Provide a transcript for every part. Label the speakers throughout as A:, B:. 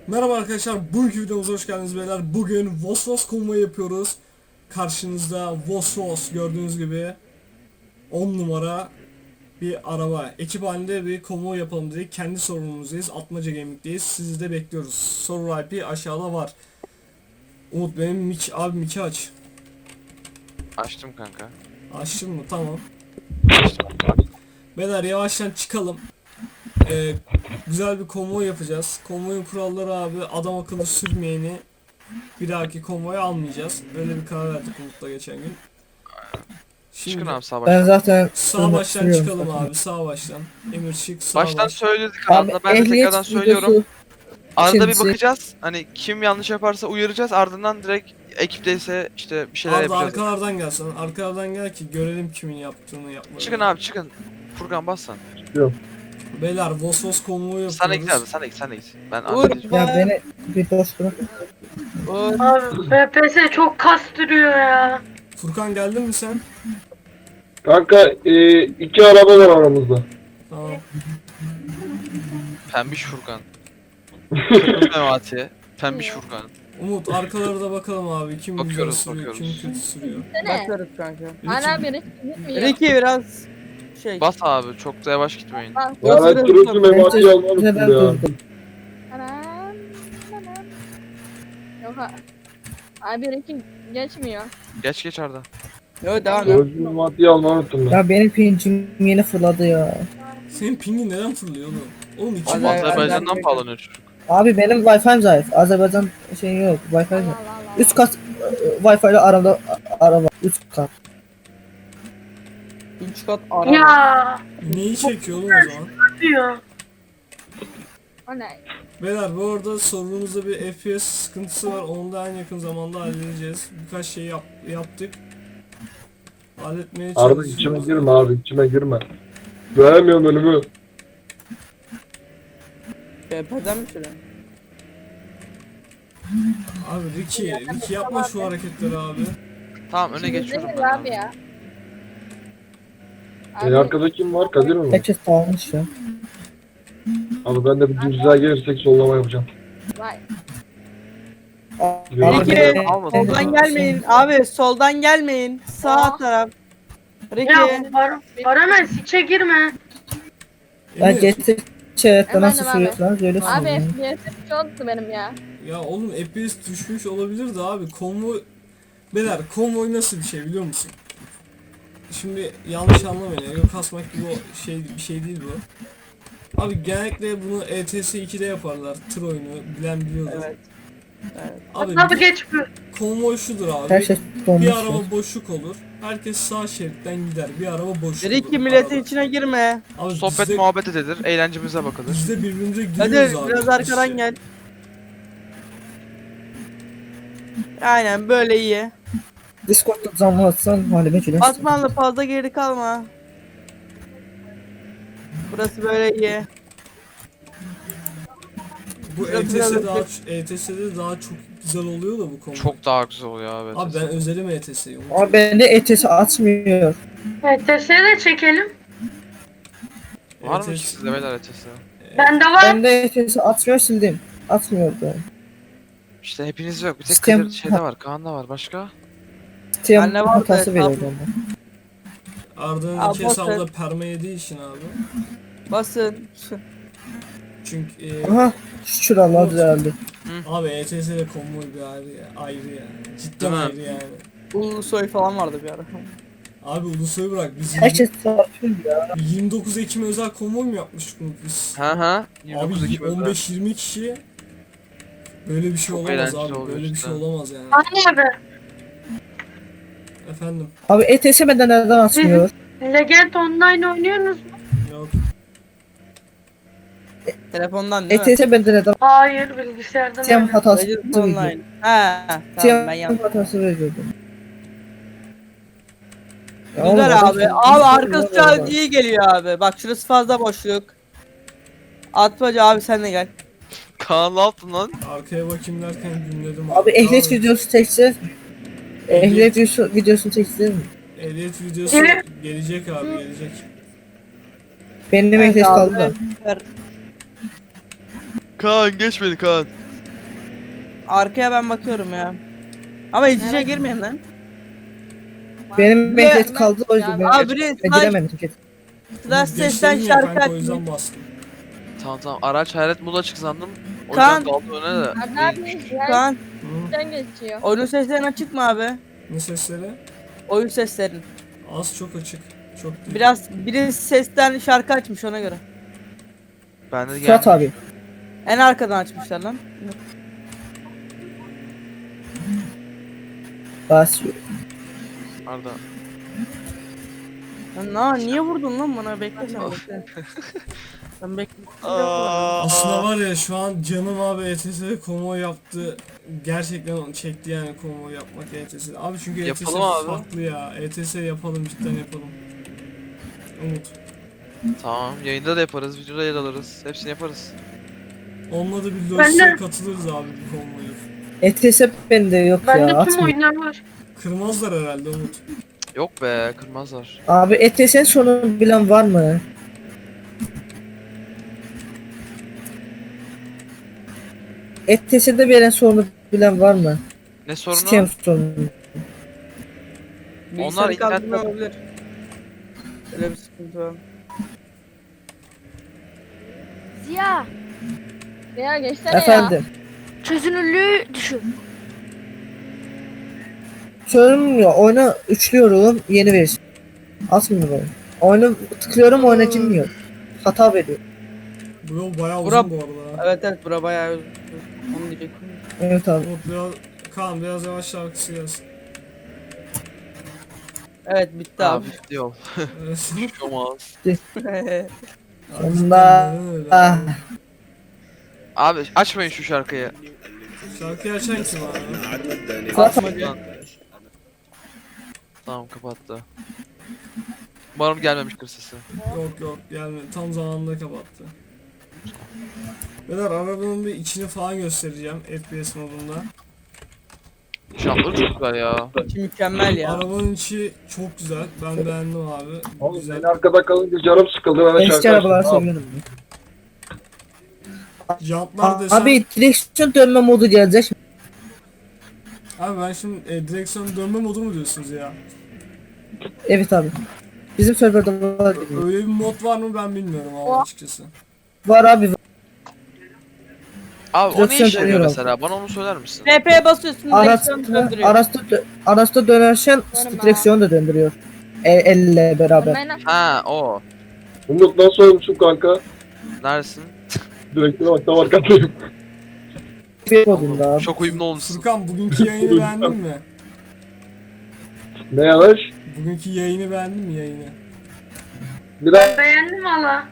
A: Merhaba arkadaşlar, bugünkü videomuza hoş geldiniz beyler. Bugün Vosvos konvoyu yapıyoruz. Karşınızda Vosvos gördüğünüz gibi 10 numara bir araba. Ekip halinde bir konvoy yapalım dedik. Kendi sorumluluğumuzdayız. Atmaca Gaming'deyiz. Sizi de bekliyoruz. Soru IP aşağıda var. Umut benim mic aç.
B: Açtım kanka.
A: Açtın mı? Tamam. Beyler yavaştan çıkalım. Güzel bir konvoy yapacağız. Konvoyun kuralları abi adam akıllı sürmeyeni bir dahaki konvoya almayacağız. Öyle bir karar verdik Umut'la geçen gün. Şimdi
B: Çıkın abi sağ
C: Ben
B: baştan.
C: zaten
A: sağ baştan
C: sürüyorum
A: çıkalım
C: zaten.
A: abi, sağ baştan. Emir çık, sağ
B: Baştan
A: baş.
B: söyledik
C: Abi
B: aslında. Ben de
C: ehliyet
B: tekrardan söylüyorum.
C: videosu
B: Arada bir
C: ikincisi-
B: bakacağız. Hani kim yanlış yaparsa uyaracağız. Ardından direkt ekipteyse işte bir şeyler
A: Arda
B: yapacağız.
A: arkalardan gel sen. Arkalardan gel ki görelim kimin yaptığını yapmadığını.
B: Çıkın abi çıkın. Furkan bas sen.
A: Beyler Vosvos konvoyu
B: Sen de git abi
A: yapıyoruz.
B: sen de git. Ben
D: Uğur,
B: halledeceğim.
C: Ya beni bir dost bırak.
D: Uğur.
E: Abi FPS çok kastırıyor ya.
A: Furkan geldin mi sen?
F: Kanka iki araba var aramızda.
A: Tamam.
B: Pembiş Furkan. Kırmızı Memati. Pembiş Furkan.
A: Umut arkalara da bakalım abi. Kim güzel
B: Bakıyoruz,
A: sürüyor, kim
B: bakıyoruz.
A: kötü sürüyor.
D: Bakıyoruz kanka.
G: Hala biri gitmiyor.
D: Ricky biraz şey.
B: Bas abi çok da yavaş gitmeyin.
F: Ya ben
D: Burası
F: turuncu
D: da-
F: mematiyi almamıştım
C: Ben
F: ya.
C: durdum.
G: Anam. Yok abi Ricky geçmiyor.
B: Geç Arda.
D: Yo devam et.
F: Turuncu mematiyi almamıştım ben.
C: Ya benim pincim yeni fırladı ya.
A: Senin pingin neden fırlıyor oğlum? Oğlum iki
D: Vallahi-
A: bak.
B: Azerbaycan'dan bağlanıyor çocuk.
C: Abi benim Wi-Fi'm zayıf. Azerbaycan şey yok. Wi-Fi
G: Allah
C: yok.
G: Allah Allah.
C: Üst kat Wi-Fi ile araba. Üst kat.
D: 3 kat araba.
E: Ya
A: Neyi çekiyor oğlum o zaman?
E: diyor.
G: O ne?
A: Beyler bu arada sorunumuzda bir FPS sıkıntısı var. Onu da en yakın zamanda halledeceğiz. Birkaç şey yaptık. Halletmeye
F: Arada
A: çalışıyoruz.
F: içime girme abi içime girme. Göremiyorum önümü.
D: BP'den mi şöyle?
A: Abi Ricky yapma şu hareketleri abi.
B: Tamam öne geçiyorum ben
G: abi
B: abi.
G: ya.
F: En arkada kim var? Kadir mi var?
C: Herkes dağılmış ya.
F: Abi ben de bir düzlüğe gelirsek sollama yapacağım.
G: Vay.
C: Abi,
D: Ricky
B: almadım.
D: soldan gelmeyin. Abi soldan gelmeyin. Sağ taraf.
E: Ya
D: Ricky.
E: Baranay içe girme.
C: Ya
A: Emir,
C: GT chatte nasıl
G: Efendim abi.
C: sürüyorsunuz öyle
G: Abi
C: sürüyorum.
G: FPS çoktu benim ya.
A: ya oğlum FPS düşmüş olabilir de abi konvoy... Beyler konvoy nasıl bir şey biliyor musun? Şimdi yanlış anlamayın. Ego kasmak gibi bir şey değil bu. Abi genellikle bunu ETS 2'de yaparlar. Tır oyunu bilen biliyordur.
D: Evet.
A: Abi
E: Abi geç bu.
A: konvoy şudur abi.
C: Her şey donmuş.
A: Bir
C: ya.
A: araba boşluk olur. Herkes sağ şeritten gider. Bir araba boşluk
D: Ricky
A: olur.
D: milletin
A: Arada.
D: içine girme.
A: Abi
B: Sohbet muhabbet edilir. Eğlencemize bakılır.
A: biz de birbirimize
D: Hadi
A: gülüyoruz abi.
D: biraz arkadan
A: İşte.
D: gel. Aynen böyle iyi.
C: Discord'da zamlı atsan halime gülüyorsun.
D: Osmanlı fazla geri kalma. Burası böyle iyi.
A: Bu
D: Biraz- biraz-
A: ETS'de daha çok güzel oluyor da bu konvoy.
B: Çok daha güzel oluyor abi.
A: Abi ben özelim ETS'yi.
C: Abi bende ETS atmıyor.
E: FPS'e de çekelim.
B: Var mı ki sizde beyler ötesi?
E: Bende var.
C: Bende ETS atmıyor sildim. Atmıyordu.
B: İşte hepiniz yok. Bir tek
C: Sistem-
B: Kadir şeyde var. Kaan'da var. Başka?
C: Steam
D: Anne var da
C: hatası veriyor
D: etrafı-
C: bana.
A: Arda'nın
D: Abi
A: iki
D: boş
A: hesabında perma yediği için abi.
D: Basın.
A: Çünkü
C: Aha şükür Allah düzeldi.
A: abi ETS'de konvoy bir ayrı ya. Cidden
B: Değil mi?
A: ayrı yani.
D: Ulusoy falan vardı bir ara.
A: Abi Ulusoy'u bırak biz
C: Herkes satıyor ya.
A: 29 Ekim özel konvoy mu yapmıştık Umut biz?
B: Ha. 29
A: Abi
B: Ekim özel.
A: 15-20 kişi böyle bir şey
B: Çok
A: olamaz
B: eğlenceli
A: abi.
B: oluyor
A: Böyle bir
B: işte.
A: şey olamaz yani.
E: Anne abi.
A: Efendim.
C: Abi ETS benden neden atmıyor?
E: Legend Online oynuyorsunuz mu?
A: Yok.
D: Telefondan değil mi?
C: ETS benden neden
E: Hayır bilgisayardan
C: Steam
E: oynuyorum.
C: hatası
D: Legends
C: veriyor.
D: Online. Ha, tamam ben
C: Steam
D: yandım.
C: hatası veriyordu. Ya oğlum,
D: Güzel
C: adam-
D: abi. Abi arkası şu an iyi geliyor abi. Bak şurası fazla boşluk. Atmaca abi sen de gel.
B: Kaan ne yaptın lan?
A: Arkaya bakayım derken dinledim.
C: Abi ehliyet
A: Tamam.
C: videosu çekeceğiz mi? Ehliyet videosunu çekeceğiz mi?
A: Ehliyet videosu
E: Evet.
A: gelecek abi gelecek.
C: Benim
D: Evet
C: ehliyet
D: abi.
C: kaldı da.
D: Ver.
B: Kaan geç beni Kaan.
D: Arkaya ben bakıyorum ya. Ama iç içe girmeyin lan.
C: Benim
D: Ne-
C: ehliyet kaldı o yüzden ben
D: Abi biri
C: giremedim ki.
D: Slash sesten
A: Geçlerim ya
D: şarkı
A: kanka, o
D: açmış.
A: yüzden bastım.
B: Tamam araç hayret moda açık sandım. O
D: Kaan.
B: yüzden kaldı öne de.
G: Abi abi
D: Kaan,
A: Hı.
G: geçiyor.
D: oyun seslerin açık mı abi?
A: Ne sesleri?
D: Oyun seslerin.
A: Az çok açık. Çok değil.
D: Biraz biri sesten şarkı açmış ona göre.
B: Ben de
C: Fırat
B: geldim.
C: abi.
D: En arkadan açmışlar lan.
C: Basıyor.
B: Arda.
D: Niye vurdun lan bana? Bekle sen bekle. Sen bekle.
A: Aslında var ya şu an canım abi ETS'de konvoy yaptı. Gerçekten onu çekti yani konvoy yapmak ETS'de. Abi çünkü ETS
B: Yapalım abi.
A: farklı ya. ETS yapalım, cidden yapalım. Umut.
B: Tamam yayında da yaparız, videoda yer alırız. Hepsini yaparız.
A: Olmadı bir
E: Ben de-
A: LoL'e katılırız abi bu konvoyu.
C: ETS bende yok
E: Bende
C: ya
E: tüm
C: atmıyor.
E: oyunlar var.
A: Kırmazlar herhalde Umut.
B: Yok be kırmazlar.
C: Abi ETS'nin sonunu bilen var mı? ETS'de veren sorunu bilen var mı?
B: Ne sorunu?
C: Sistem sorunu.
D: Bilgisayarı
B: internet-
D: kaldırma olabilir. Öyle bir sıkıntı var.
G: Ziya. Ziya geçsene ya.
C: Efendim.
G: Çözünürlüğü düşün.
C: Sorunum yok. Oyunu üçlüyorum. Yeni versiyon. Atmıyor oyun. Oyunu tıklıyorum oyuna girmiyor. Hata veriyor.
A: Bu yol bayağı
D: Bura-
A: uzun bu arada. ha.
D: Evet bura bayağı uzun. Onu diyecektim.
C: Evet abi.
A: Umut biraz, Kaan biraz yavaş şarkısı gelsin.
D: Evet bitti abi.
B: Abi bitti yol.
A: Evet.
B: Olmaz.
C: Sonunda.
A: Neden öyle
C: Ah.
A: abi?
B: Abi açmayın şu şarkıyı.
A: Şarkıyı açan kim abi?
C: Fırat abi.
B: Lan. Tamam kapattı. Umarım gelmemiştir sesi.
A: Yok yani tam zamanında kapattı. Beyler arabanın bir içini falan göstereceğim FPS modunda.
B: Şartları çok güzel ya.
D: Mükemmel ya.
A: Arabanın içi çok güzel. Ben beğendim abi.
F: Oğlum
A: Güzel.
F: ben arkada kalınca canım sıkıldı. Ben de
C: Eski
F: şarkı
C: arabalar
F: açtım.
C: seviyorum.
A: Jantlar desem.
C: Abi direksiyon dönme modu gelecek.
A: Abi ben şimdi direksiyon dönme modu mu diyorsunuz ya?
C: Evet abi. Bizim serverde var.
A: Öyle bir mod var mı ben bilmiyorum abi açıkçası.
C: Var abi.
B: Abi o ne
C: Direksiyon
B: işe yarıyor
C: dönüyor
B: mesela? Bana onu söyler misin?
D: TP'ye basıyorsun direksiyon döndürüyor.
C: Araçta dönerken
G: Dönme.
C: direksiyonu da döndürüyor. Elle beraber.
G: Ben
B: Ha o.
F: Umut nasıl olmuşum kanka?
B: Neredesin?
F: Direktörü bak tam arkadayım.
C: Bir modunda abi.
B: Çok uyumlu olmuşsun.
A: Furkan bugünkü yayını beğendin mi?
F: Ne yavaş?
A: Bugünkü yayını beğendin mi yayını?
F: Biraz
E: Beğendim valla.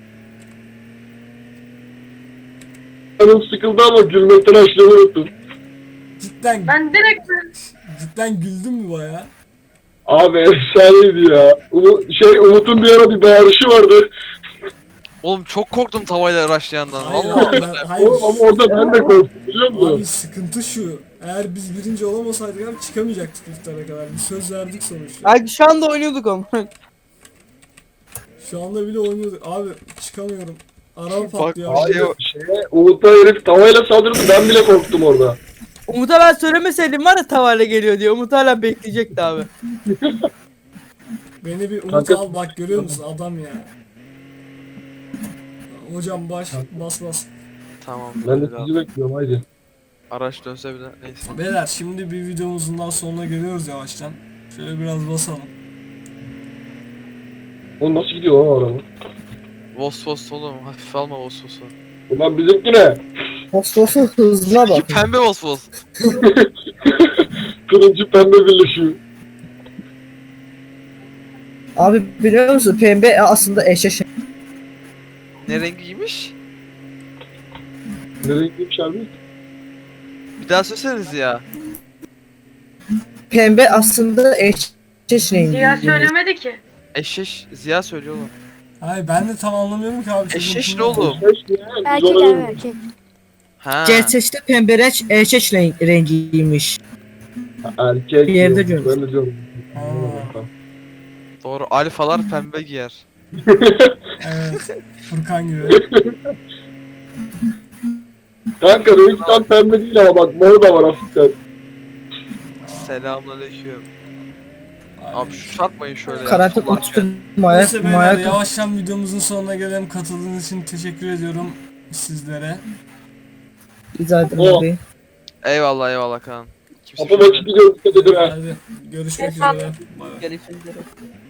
F: canım sıkıldı ama gülmekten açlığımı unuttum.
A: Cidden
E: Ben direkt
A: cidden güldün mü baya?
F: Abi efsaneydi ya. Umut'un bir ara bir bağırışı vardı.
B: Oğlum çok korktum tavayla araçlayandan.
A: Hayır,
B: Vallahi.
A: abi, hayır.
F: Oğlum ama orada ben de korktum biliyor musun?
A: Abi sıkıntı şu. Eğer biz birinci olamasaydık abi çıkamayacaktık iftara kadar. Bir söz verdik sonuçta.
D: Ay şu anda oynuyorduk onu.
A: Şu anda bile oynuyorduk. Abi çıkamıyorum. Araba
B: Bak,
A: patlıyor.
B: bak.
A: abi.
F: Umut'a herif tavayla saldırdı ben bile korktum orada.
D: Umut'a ben söylemeseydim var ya tavayla geliyor diye. Umut hala bekleyecekti abi.
A: Beni bir Umut
F: Kanka-
A: al bak görüyor musun adam ya. Hocam bas.
B: Tamam.
F: Ben de
B: biraz
F: sizi bekliyorum haydi.
B: araç dönse bile neyse.
A: Beyler şimdi bir videomuzun daha sonuna geliyoruz yavaştan. Şöyle biraz basalım.
F: Oğlum nasıl gidiyor lan o araba?
B: Vos oğlum hafif alma vos.
F: Ulan bizimki ne?
C: Fosfosu hızına bak.
B: İki pembe vos.
F: Kırıncı pembe birleşiyor.
C: Abi biliyor musun pembe aslında eşeş.
B: Ne rengiymiş?
F: Ne renkliymiş abi?
B: Bir daha söyleseniz ya.
C: Pembe aslında eşeş rengi.
E: Ziya söylemedi ki.
B: Eşeş Ziya söylüyor oğlum.
A: Hayır ben de tam anlamıyorum ki abi. çocuğun
B: Eşeş
A: kim
B: ne oğlum?
G: erkek abi erkek.
B: Ha.
C: Gerçekte pembe eşeş rengiymiş.
F: Erkek
C: Bir yerde
F: diyorum,
C: diyorum.
F: ben de diyorum.
A: Aa.
B: Doğru alfalar pembe giyer.
A: Evet. Furkan gibi.
F: Kanka benimki tam pembe değil ama bak mor da var hafiften.
B: Selamünaleyküm. Abi şu satmayın şöyle ya.
C: Karantin
B: Allah
C: uçtum.
A: Neyse beyler
C: Mayak.
A: yavaştan videomuzun sonuna gelelim. Katıldığınız için teşekkür ediyorum sizlere.
C: İzah edin
F: O.
C: abi.
B: Eyvallah eyvallah Kaan. Kimse
F: Kapı
B: bir şey
F: maçı gidiyor dikkat edin ha.
A: Hadi görüşmek üzere. Bay bay.
D: Görüşürüz.